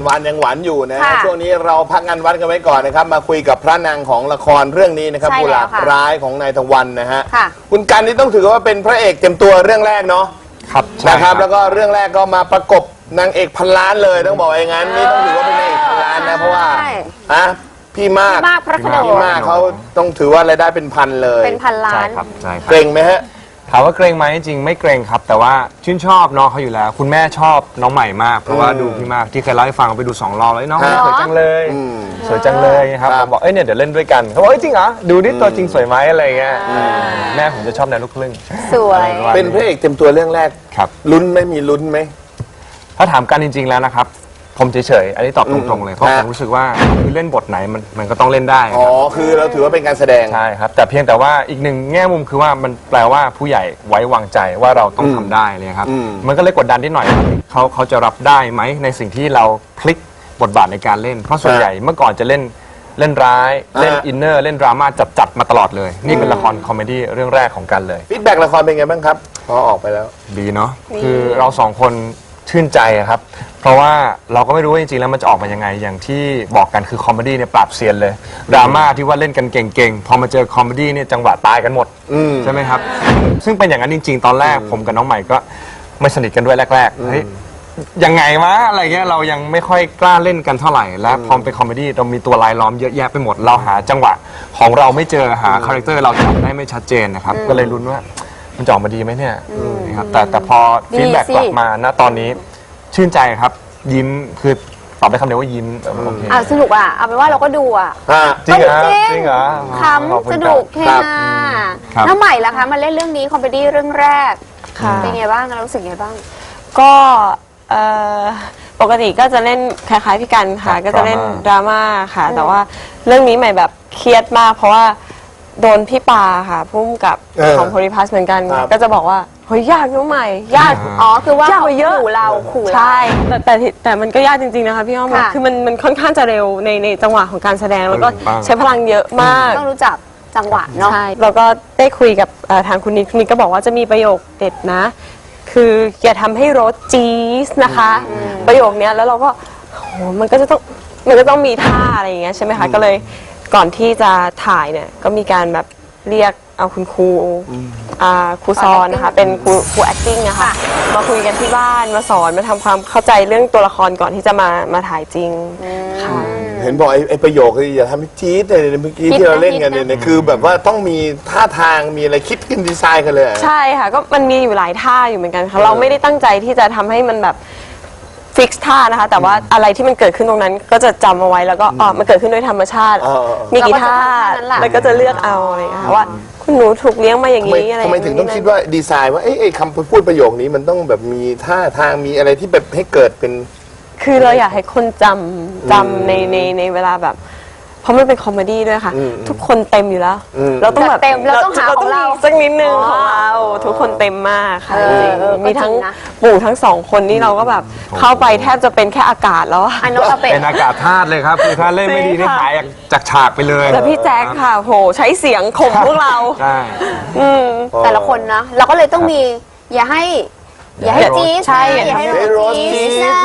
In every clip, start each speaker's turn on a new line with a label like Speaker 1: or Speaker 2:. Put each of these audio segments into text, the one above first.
Speaker 1: วันยังหวานอยู่นะช่วงนี้เราพักงานวัดกันไว้ก่อนนะครับมาคุยกับพระนางของละครเรื่องนี้นะครับกุหลาบร้ายของนายตะวันนะฮะคุณกันนี่ต้องถือว่าเป็นพระเอกเต็มตัวเรื่องแรกเนาะ
Speaker 2: ครับ
Speaker 1: นะครับแล้วก็เรื่องแรกก็มาประกบนางเอกพันล้านเลยต้องบอกอย่างนั้นนี่ต้องถือว่าเป็นนางเอกพันล้านนะเพราะว่าพี่มาก
Speaker 3: พระโขนง
Speaker 1: พี่มากเขาต้องถือว่ารายได้เป็นพันเลย
Speaker 3: เป็นพันล้าน
Speaker 2: ใช่ครับ
Speaker 1: เกรงไหมฮะ
Speaker 2: ถามว่าเกรงไหมจริงไม่เกรงครับแต่ว่าชื่นชอบน้องเขาอยู่แล้วคุณแม่ชอบน้องใหม่มากเพราะว่าดูพี่มากที่เคยเล่าให้ฟังไปดู2 รอบแล้วน้องสวยจังเลยสวยจังเลยครับบอกเนี่ยเดี๋ยวเล่นด้วยกันเขาบอกจริงเหรอดูดิตัวจริงสวยไหมอะไรเงี้ยแม่ผมจะชอบแนวลูกครึ่ง
Speaker 3: สวย
Speaker 1: เป็นพระเอกเต็มตัวเรื่องแรก
Speaker 2: ครับ
Speaker 1: ลุ้นไม่มีลุ้นไหม
Speaker 2: ถ้าถามกันจริงๆแล้วนะครับผมเฉยๆอันนี้ตอบตรงๆเลยเพราะผมรู้สึกว่าคือเล่นบทไหนมันก็ต้องเล่นได้
Speaker 1: อ๋อคือเราถือว่าเป็นการแสดง
Speaker 2: ใช่ครับแต่เพียงแต่ว่าอีกหนึ่งแง่มุมคือว่ามันแปลว่าผู้ใหญ่ไว้วางใจว่าเราต้องทำได้เลยครับมันก็เลยกดดันนิดหน่อยเขาจะรับได้ไหมในสิ่งที่เราพลิกบทบาทในการเล่นเพราะส่วนใหญ่เมื่อก่อนจะเล่นร้ายเล่นอินเนอร์เล่นดราม่าจัดมาตลอดเลยนี่เป็นละครคอมเมดี้เรื่องแรกของกันเลย
Speaker 1: ฟีดแบ็กละครเป็นไงบ้างครับพอออกไปแล้ว
Speaker 2: ดีเนาะคือเรา2 คนชื่นใจครับเพราะว่าเราก็ไม่รู้ว่าจริงๆแล้วมันจะออกมายังไงอย่างที่บอกกันคือคอมเมดี้เนี่ยปราบเซียนเลยดราม่าที่ว่าเล่นกันเก่งๆพอมาเจอคอมเมดี้เนี่ยจังหวะตายกันหมดใช่ไหมครับซึ่งเป็นอย่างนั้นจริงๆตอนแรกผมกับน้องใหม่ก็ไม่สนิทกันด้วยแรกๆเฮ้ยยังไงวะอะไรเงี้ยเรายังไม่ค่อยกล้าเล่นกันเท่าไหร่และพอเป็นคอมเมดี้เรามีตัวลายล้อมเยอะแยะไปหมดเราหาจังหวะของเราไม่เจอหาคาแรคเตอร์เราจับได้ไม่ชัดเจนนะครับก็เลยลุ้นว่ามันจะออกมาดีไหมเนี่ยครับแต่พอฟีดแบ็กกลับมาณตอนนี้ชื่นใจครับยิ้มคือตอบได้คำเดียวว่ายิ้มโอเค
Speaker 3: สนุกเอาเป็นว่าเราก็ดู
Speaker 2: จริงเหรอ
Speaker 3: คำสนุกแค่น้าใหม่ล่ะคะมาเล่นเรื่องนี้คอมเมดี้เรื่องแรกเป็นไงบ้างเรารู้สึกไงบ้าง
Speaker 4: ก็ปกติก็จะเล่นคล้ายๆพี่กันค่ะก็จะเล่นดราม่าค่ะแต่ว่าเรื่องนี้ใหม่แบบเครียดมากเพราะว่าโดนพี่ปาค่ะพุ่มกับของโพลิพัสเหมือนกันก็จะบอกว่าเฮ้ยยากน้องใหม่ยาก
Speaker 3: คือว่าเขาขู่เรา
Speaker 4: ใช่แต่มันก็ยากจริงๆนะคะพี่อ้อมคือมันค่อนข้างจะเร็วในจังหวะของการแสดงแล้วก็ใช้พลังเยอะมาก
Speaker 3: ต้องรู้จักจังหวะเนาะ
Speaker 4: ใช่แล้วก็ได้คุยกับทางคุณนิกก็บอกว่าจะมีประโยคเด็ดนะคืออย่าทำให้รถจี๊สนะคะประโยคนี้แล้วเราก็มันก็ต้องมีท่าอะไรอย่างเงี้ยใช่ไหมคะก็เลยก่อนที่จะถ่ายเนี่ยก็มีการแบบเรียกเอาคุณครูซอนนะคะเป็นครู acting นะคะมาคุยกันที่บ้านมาสอนมาทำความเข้าใจเรื่องตัวละครก่อนที่จะมาถ่ายจริงค่ะ
Speaker 1: เห็นบอกไอ้ประโยคคืออย่าทำให้จี๊ดเลยเมื่อกี้ที่เราเล่นกันเนี่ยคือแบบว่าต้องมีท่าทางมีอะไรคิดกันดีไซน์กันเลย
Speaker 4: ใช่ค่ะก็มันมีอยู่หลายท่าอยู่เหมือนกันค่ะเราไม่ได้ตั้งใจที่จะทำให้มันแบบฟิกซ์ท่านะคะแต่ว่าอะไรที่มันเกิดขึ้นตรงนั้นก็จะจำเอาไว้แล้วก็มันเกิดขึ้นโดยธรรมชาติมีกี่ท่าแล้วก็จะเลือกเอาอะไรอย่างเงี้ยว่าคุณหนูถูกเลี้ยงมาอย่างนี้อะไร
Speaker 1: ทำไมถึงต้องคิดว่าดีไซน์ว่าไอ้คำพูดประโยคนี้มันต้องแบบมีท่าทางมีอะไรที่แบบให้เกิดเป็น
Speaker 4: คือเราอยากให้คนจำในเวลาแบบเพราะมันเป็นคอมเมดี้ด้วยค่ะทุกคนเต็มอยู่แล้วเราต้องแบบ
Speaker 3: เต็มเราต้องหาของเรา
Speaker 4: สักนิดนึงของเราทุกคนเต็มมากค่ะมีทั้งปู่ทั้ง2 คนนี่เราก็แบบเข้าไปแทบจะเป็นแค่อากาศแล้ว
Speaker 2: เป็นอากาศธาตุเลยครับคือถ้าเล่นไม่ดีนี่หายจากฉากไปเลย
Speaker 4: แต่พี่แจ็คค่ะโหใช้เสียงข่มพวกเรา
Speaker 2: ใช่
Speaker 3: แต่ละคนนะเราก็เลยต้องมีอย่าให้จี๊ด
Speaker 4: ใช่
Speaker 3: อย่าให้รถจี๊ดนะ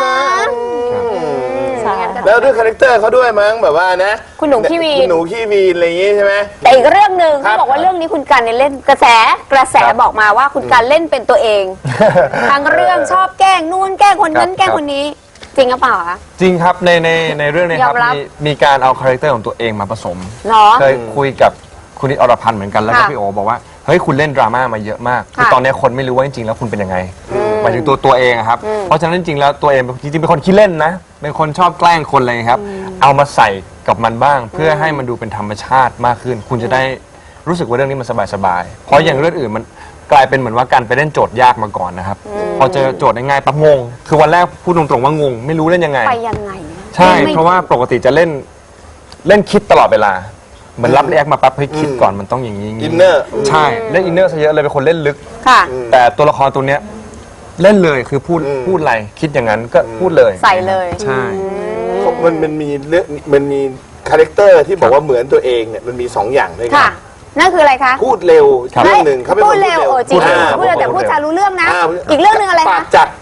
Speaker 1: แล้วด้วยคาแรคเตอร์เขาด้วยมั้งแบบว่านะ
Speaker 3: คุณหนูขี้วีน
Speaker 1: อะไรอย่างงี้ใช่ไหม
Speaker 3: แต่อีกเรื่องหนึ่งเขาบอกว่าเรื่องนี้คุณกันเล่นกระแสบอกมาว่าคุณกันเล่นเป็นตัวเองทั้งเรื่องชอบแกล้งนู่นแกล้งคนนั้นแกล้งคนนี้จริงหรือเปล่าคะ
Speaker 2: จริงครับในเรื่องนี้ครับมีการเอาคาแรคเตอร์ของตัวเองมาผสมเคยคุยกับคุณนิดอรพันธ์เหมือนกันแล้วก็พี่โอบอกว่าเฮ้ยคุณเล่นดราม่ามาเยอะมากคือตอนนี้คนไม่รู้ว่าจริงๆแล้วคุณเป็นยังไงหมายถึงตัวเองครับเพราะฉะนั้นจริงๆแล้วตัวเองจริงๆเป็นคนขี้เล่นนะเป็นคนชอบแกล้งคนอะไรครับเอามาใส่กับมันบ้างเพื่อให้มันดูเป็นธรรมชาติมากขึ้นคุณจะได้รู้สึกว่าเรื่องนี้มันสบายๆเพราะอย่างเรื่องอื่นมันกลายเป็นเหมือนว่าการไปเล่นโจทย์ยากมาก่อนนะครับพอเจอโจทย์ง่ายๆปั๊บงงคือวันแรกพูดตรงๆว่างงไม่รู้เล่นยังไง
Speaker 3: ไปยังไง
Speaker 2: ใช่เพราะว่าปกติจะเล่นคิดตลอดเวลาเหมือนรับเรียกมาปั๊บให้คิดก่อนมันต้องอย่างนี้
Speaker 1: อินเนอร์
Speaker 2: ใช่เล่นอินเนอร์ซะเยอะเลยเป็นคนเล่นลึกแต่ตัวละครตัวเนี้ยเล่นเลยคือพูดอะไรคิดอย่างนั้นก็พูดเลย
Speaker 3: ใส่เลย
Speaker 2: ใช่
Speaker 1: มันมีเรื่องมันมีคาแรคเตอร์ที่บอกว่าเหมือนตัวเองเนี่ยมันมี2 อย่างด้วยกัน
Speaker 3: นั่นคืออะไรคะ
Speaker 1: พูดเร็วเรื่องหนึ่งเขาเป็นคนพูดเร็ว
Speaker 3: จริงพูดเร็วแต่พูดจารู้เรื่องนะอีกเรื่องหนึ่งอะไรคะ
Speaker 1: ปากจัด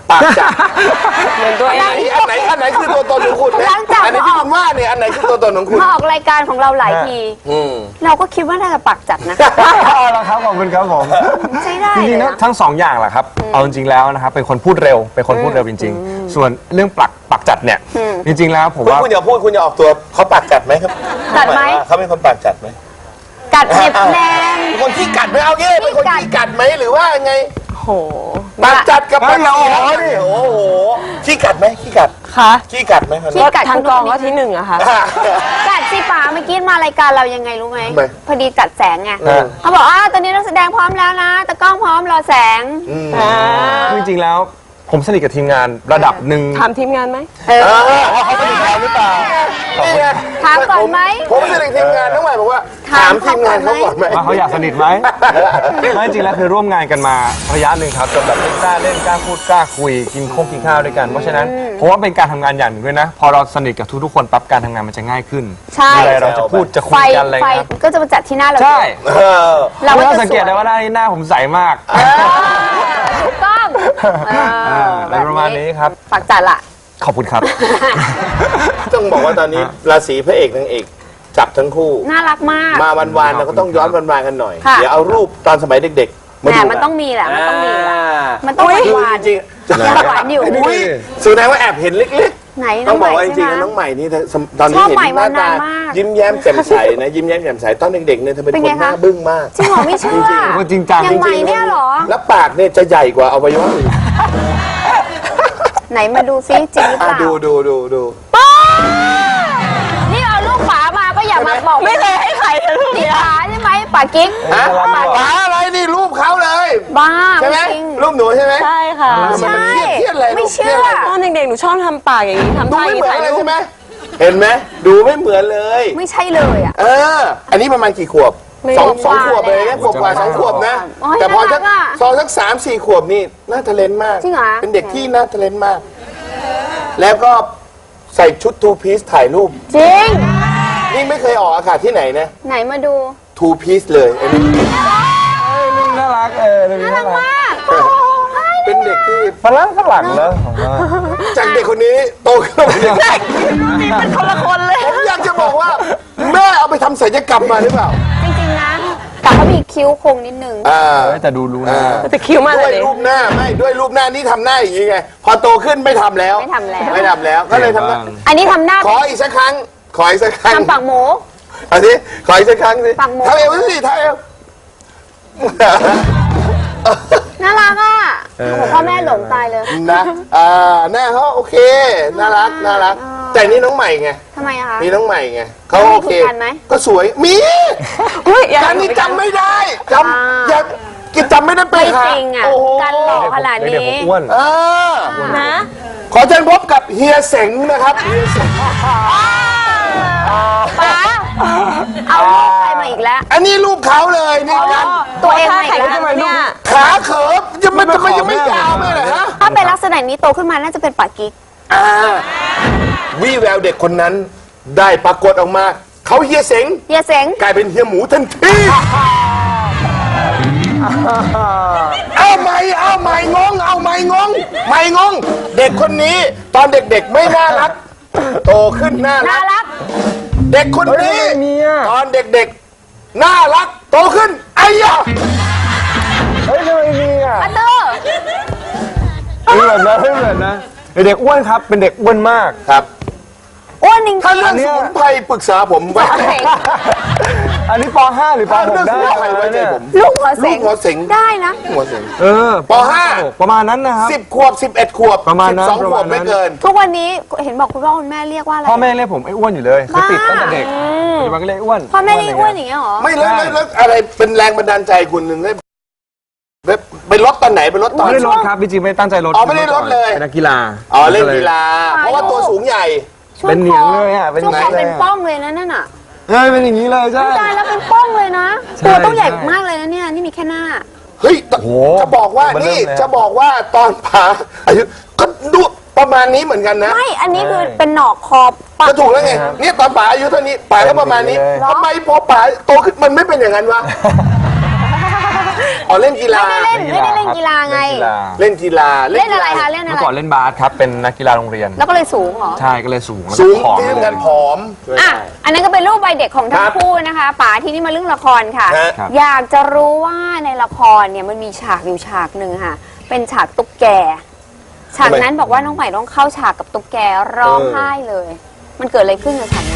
Speaker 1: ปากจัด
Speaker 4: เหมือนตัวเอ
Speaker 1: อัน
Speaker 4: ง
Speaker 1: ไหนคือตัวตนของคุณเนี่ย
Speaker 3: หลังจาก
Speaker 1: อันนี้ที่คุณว่าเนี่ยอันไหนคือตัวตนของคุณ
Speaker 3: มาออกรายการของเราหลายที เราก็คิดว่าน่าจะปากจัดนะ
Speaker 2: เอาละครับขอบคุณครับผม
Speaker 3: ใช้ได้
Speaker 2: จริงๆ
Speaker 3: เลย
Speaker 2: นะ
Speaker 3: นะ
Speaker 2: ทั้งสองอย่างแหละครับ เอาจริงๆแล้วนะครับเป็นคนพูดเร็วเป็นคนพูดเร็วจริงๆ ส่วนเรื่องปักจัดเนี่ยจริงๆแล้วผมว่า
Speaker 1: คุณอย่าพูดคุณอย่าออกตัวเขาปากจัดไหมครับ
Speaker 3: จัดไหม
Speaker 1: เขาเป็นคนปากจัดไหม
Speaker 3: กัดเน็บแนม
Speaker 1: เป็นคนขี้กัดไหมเอางี้เป็นคนขี้กัดไหมหรือว่าไง
Speaker 4: โห
Speaker 1: ปากจัดกับปาก
Speaker 2: เฮ้ย
Speaker 1: เสีย
Speaker 2: เราอ๋อนี่
Speaker 1: โอ้โหขี้กัดไหมขี้กัด
Speaker 4: ค่ะ
Speaker 1: ขี้กัดไหมครับ
Speaker 3: ขี้กัด
Speaker 4: ทางกองก็ที่หนึ่งอะค่ะ
Speaker 3: กัดสิป๋าเมื่อกี้มารายการเรายังไงรู้ไหม
Speaker 1: ทำไม
Speaker 3: พอดีจัดแสงไง
Speaker 2: เออ
Speaker 3: เขาบอกตอนนี้นักแสดงพร้อมแล้วนะตะกล้องพร้อมรอแสง
Speaker 2: จริงๆแล้วผมสนิทกับทีมงานระดับหนึ่ง
Speaker 4: ถามทีมงานไหม
Speaker 1: เขาสนิทกันหรือเปล่านี่ไง
Speaker 3: ถามก่อนไหม
Speaker 1: ผมสนิททีมงานน้องใหม่บอกว่าถามทีมงานเขาก่อนไหม
Speaker 2: ว่าเขาอยากสนิทไหม ไม่จริงแล้วคือร่วมงานกันมาระยะหนึ่งครับจนแบบกล้าเล่นกล้าพูดกล้าคุยกินข้าวด้วยกันเพราะฉะนั้นผมว่าเป็นการทำงานอย่างหนึ่งด้วยนะ พอเราสนิทกับทุกๆคนปั๊บการทำงานมันจะง่ายขึ้น
Speaker 3: ใช่
Speaker 2: มีอะไรเราจะพูดจะคุ
Speaker 3: ไฟ
Speaker 2: ยกันอะไร
Speaker 3: ไฟ
Speaker 2: เงี้ย
Speaker 3: ก็จะมาจัดที่หน้าเรา
Speaker 2: ใช่
Speaker 1: เออ
Speaker 3: เราก็
Speaker 2: เรา
Speaker 3: จะ
Speaker 2: สัง
Speaker 3: ส
Speaker 2: เก
Speaker 3: ว
Speaker 2: ต
Speaker 3: ย
Speaker 2: ได้ว่าหน้าผมใสมาก
Speaker 3: ถูกต้อง
Speaker 2: อะไรประมาณนี้ครับ
Speaker 3: ปากจัดละ
Speaker 2: ขอบคุณครับ
Speaker 1: ต้องบอกว่าตอนนี้ราศีพระเอกนางเอกจับทั้งคู่
Speaker 3: น่ารักมาก
Speaker 1: มาวันๆเราก็ต้องย้อนวันๆกันหน่อย
Speaker 3: ค่ะ
Speaker 1: เดี๋ยวเอารูปตอนสมัยเด็กๆมา
Speaker 3: แหม
Speaker 1: ดู
Speaker 3: มันต้องมีแหละมันต้องมีแหละ
Speaker 1: อ่า
Speaker 3: มันต้องหวาน
Speaker 1: จริงๆ
Speaker 3: ยังหวานอยู่
Speaker 1: อุ้ยแสดงว่าแอบเห็นเล็ก
Speaker 3: ไหน
Speaker 1: ๆ
Speaker 3: น้
Speaker 1: ต้
Speaker 3: อ
Speaker 1: อง ง
Speaker 3: ให
Speaker 1: บอ
Speaker 3: ม่
Speaker 1: กว่าจ
Speaker 3: ใช่
Speaker 1: ริง
Speaker 3: ไหม
Speaker 1: ๆน้องใหม่นี่ตอนนี้
Speaker 3: ชอบ
Speaker 1: เห็น
Speaker 3: ใหม่
Speaker 1: หน้าตาม
Speaker 3: านานมาก
Speaker 1: ยิ้มแย้มแจ่มใสนะยิ้มแย้มแจ่มใสตอนเด็กๆเนี่ยเธอเป็น
Speaker 3: เป็น
Speaker 1: ค
Speaker 3: ไง
Speaker 1: นหน้า
Speaker 3: คะ
Speaker 1: บึ้งมาก
Speaker 3: จริงเหรอไม่เชื่อ
Speaker 2: จริงจัง
Speaker 3: ยังใหม่เนี่ยเหรอ
Speaker 1: แล้วปากเนี่ยจะใหญ่กว่าอวัยวะอื่น
Speaker 3: ไหนมาดูซิจริงหรือเปล่า
Speaker 1: ดู
Speaker 3: นี่เอาลูกป๋ามาก็อย่ามาบอกไม่เคยให้ใครลูกนี่ป๋าใช่ไหมป๋ากิ๊ก
Speaker 1: ฮะป๋าอะไรนี่รูปเขาเลย
Speaker 3: บ้า
Speaker 1: ใช่ไหม
Speaker 3: จริง
Speaker 1: รูปหนูใช่ไหม
Speaker 4: ใช่ค่ะ
Speaker 3: ใช่
Speaker 1: เครียดเลย
Speaker 3: ไม่เชื่อ
Speaker 4: ตอนเด็กๆ หนูชอบทำปากอย่างนี้ทำ
Speaker 1: ดู
Speaker 4: ท่าอ
Speaker 1: ไม่
Speaker 4: ย่าง
Speaker 1: เห
Speaker 4: นี้
Speaker 1: มือน
Speaker 4: ถ่าย
Speaker 1: เลย
Speaker 4: รูป
Speaker 1: ใช่ไหมเห็นไหมดูไม่เหมือนเลย
Speaker 3: ไม่ใช่เลยอ่ะ
Speaker 1: อันนี้ประมาณกี่ขวบสองขวบเลยนะขวบกว่า2 ขวบนะ
Speaker 3: โอ้ย
Speaker 1: แต่พอสัก
Speaker 3: น่ารักอะ
Speaker 1: ซองสัก3-4 ขวบนี่น่าทะเลนมาก
Speaker 3: จริงเหรอ
Speaker 1: เป็นเด็กที่น่าทะเลนมาก แล้วก็ใส่ชุดทูพีซถ่ายรูป
Speaker 3: จริง
Speaker 1: นี่ไม่เคยออกอากาศที่ไหนนะ
Speaker 3: ไหนมาดู
Speaker 1: ทูพีซเลยอันนี้
Speaker 2: น่ารักน่ารัก
Speaker 3: มาก
Speaker 1: เป็นเด็กที่
Speaker 2: ฝรั่งแล้วผมว่า
Speaker 1: จากเด็กคนนี้โตขึ้นมาเป็นเด็ก
Speaker 4: เป็นคนละคนเลย
Speaker 1: ผมอยากจะบอกว่าแม่เอาไปทำศัลยกรรมมาหรือเปล่า
Speaker 3: จริงๆนะแต่เขามีคิ้วโคงนิดนึง
Speaker 2: แต่ดูรู้นะ
Speaker 4: แต่คิ้วมาก
Speaker 1: ด้
Speaker 4: เล
Speaker 1: วย
Speaker 4: ย
Speaker 1: รูปหน้าไม่ด้วยรูปหน้านี่ทำหน้าอย่างนี้ไง พอโตขึ้นไม่ทำแล้ว
Speaker 3: ไม่ทำแล้ว
Speaker 1: ไม่ทำแล้วก็เลยทำหน้า
Speaker 3: อันนี้ทำหน้า
Speaker 1: ขออีกสักครั้ง ขออีกสักครั้ง
Speaker 3: ทำปากหมู
Speaker 1: เอาสิขออีกสักครั้งสิ
Speaker 3: ปากหมู
Speaker 1: ทำเอวสิทำเอว
Speaker 3: น่ารักอ่ะโอ้โหพ่อแม่หลงตายเลย
Speaker 1: นะหน้าเขาโอเค น่ารัก น่ารัก แต่นี่น้องใหม่ไง
Speaker 3: ทำไมอะคะ
Speaker 1: นี่น้องใหม่ไงเขา
Speaker 3: แล้วมี
Speaker 1: โอเค
Speaker 3: คุณกันไหม
Speaker 1: ก็สวย มี
Speaker 4: อุ้ยอย่า
Speaker 1: การนี่จำไม่ได้จำอย่ากินจำไม่ได้ไป
Speaker 3: ไม่
Speaker 1: หา
Speaker 3: จริงอ่ะ
Speaker 1: โอ้โห
Speaker 3: กันหล่อขนาด
Speaker 2: เด็ก
Speaker 3: นี้
Speaker 2: ผมอ้วน
Speaker 4: นะ
Speaker 1: ขอเชิญพบกับเฮียเสงนะครับเฮียเสง
Speaker 3: ป๋าเอาลูกใครมาอีกแล้ว
Speaker 1: อันนี้รูปเขาเลยนี่กัน
Speaker 3: ตัวเอง
Speaker 4: ท่า
Speaker 3: มาอี
Speaker 4: แข่ง
Speaker 3: กแล้ว
Speaker 4: ทำไมเนี่ย
Speaker 1: ขาเขิบมันยังไม่ยาวไม่เหรอฮะ
Speaker 3: ถ้าเป็นลักษณะนี้โตขึ้นมาน่าจะเป็นป๋ากิ๊ก
Speaker 1: วี่แววเด็กคนนั้นได้ปรากฏออกมา เขาเฮียเสง
Speaker 3: เฮียเสง
Speaker 1: กลายเป็นเฮียหมูทันทีเอาไม่งง ไม่งง เด็กคนนี้ตอนเด็กๆไม่น่ารัก โตขึ้นน่า
Speaker 3: น่า
Speaker 1: รัก
Speaker 3: รัก
Speaker 1: เด็กคนนี้
Speaker 2: เฮ้ยไม่มีอะ
Speaker 1: ตอนเด็กๆน่ารัก โตขึ้นไอ้ยะ
Speaker 2: เฮ้ยทำไมมีอ่ะ
Speaker 3: อันเดอร์
Speaker 2: ไม่เหมือนนะไม่เหมือนนะเด็กอ้วนครับเป็นเด็กอ้วนมาก
Speaker 1: ครับ
Speaker 3: อ้วนจริง
Speaker 1: ถ้าเรื่องสมุนไพรปรึกษาผมไว้
Speaker 2: อันนี้ป .5 หรือป
Speaker 1: ถ้าเรื่อง
Speaker 2: .6
Speaker 1: ส
Speaker 2: ได้
Speaker 1: มุนไพรไว้ใจผม
Speaker 3: ลูกหัวเสง
Speaker 1: ลูกหัวเสง
Speaker 3: ได้นะ
Speaker 1: หัวเสง ป .5
Speaker 2: ประมาณนั้นนะครับ
Speaker 1: 10 ขวบ 11 ขวบ
Speaker 2: ประมาณนั้น
Speaker 1: 12 ขวบ
Speaker 2: ประมาณนั้น
Speaker 1: ไม่เกิน
Speaker 3: ทุกวันนี้เห็นบอกคุณพ่อคุณแม่เรียกว่าอะไร
Speaker 2: พ่อแม่เรียกผมไอ้อ้วนอยู่เลยคือติดตั้งแต่เด็กปัจจุบันก็เรียกอ้วน
Speaker 3: พ่อแม่เรียกอ้วนอย่างเงี้ยเหรอ
Speaker 1: ไม่แล้วอะไรเป็นแรงบันดาลใจคุณหนึ่งได้ไปลดตอนไหนไปลดตอน
Speaker 2: ไม่ได้ลดครับจริงๆไม่ได้ตั้งใจลด
Speaker 1: อ๋อไม่ได้ลดเลย
Speaker 2: เป็นนักกีฬา
Speaker 1: อ๋อเล่นกีฬา เพราะว่าตัวสูงใหญ่
Speaker 3: ช่วง
Speaker 2: เป็นเหนี
Speaker 3: ค
Speaker 2: ย
Speaker 3: อง
Speaker 2: เลยอะเป็น
Speaker 3: ช่วงคอ
Speaker 2: ไงเลยอะ
Speaker 3: เป็นป้องเลยนะนั่นน่ะ
Speaker 2: เฮ้ยเป็นอย่างนี้เลยใช่
Speaker 3: ตายแล้วเป็นป้องเลยนะ
Speaker 2: ใช่
Speaker 3: ตัวต้องใหญ่
Speaker 2: ใช่
Speaker 3: มากเลยนะเนี่ยนี่มีแค่หน้า
Speaker 1: เฮ้ย
Speaker 2: โห
Speaker 1: จะบอกว่า
Speaker 2: มันเริ่
Speaker 1: นี่
Speaker 2: มแล้ว
Speaker 1: จะบอกว่าตอนป๋าอายุก็ดูประมาณนี้เหมือนกันนะ
Speaker 3: ไม่อันนี้คือเป็นหนอกคอปะ
Speaker 1: ก็ถูกแล้วไงเนี่ยตอนป๋าอายุเท่านี้ป๋าก็ประมาณนี้
Speaker 2: เป็นอย่างนี้เลย
Speaker 1: ทำไมพอป๋าโตขึ้นมันไม่เป็นอย่างนั้นวะอ๋อเล่นกีฬา
Speaker 3: ไม่ได้เล่นกีฬาไง
Speaker 1: เล่นกีฬา
Speaker 3: เล่นอะไรคะเล่นอะ
Speaker 2: เมื่
Speaker 3: ไร
Speaker 2: อก่อนเล่นบาสครับเป็นนักกีฬาโรงเรียน
Speaker 3: แล้วก็เลยสูงเหรอ
Speaker 2: ใช่ก็เลยสูงแล้ว
Speaker 1: สู
Speaker 2: ก็
Speaker 1: ง
Speaker 2: ผอม
Speaker 1: ที่ทำงานผอม
Speaker 3: อ่ะอันนั้นก็เป็นรูปวัยเด็กของทั้
Speaker 1: ค
Speaker 3: ง
Speaker 1: รับ
Speaker 3: คู่นะคะป๋าที่นี่มาเรื่องละครค่ะ
Speaker 1: ฮะ
Speaker 2: ครับ
Speaker 3: อยากจะรู้ว่าในละครเนี่ยมันมีฉากอยู่ฉากหนึ่งค่ะ เป็นฉากตุ๊กแก ฉากนั้นบอกว่าน้องใหม่ต้องเข้าฉากกับตุ๊กแกร้องไห้เลย มันเกิดอะไรขึ้นกับฉากนั้น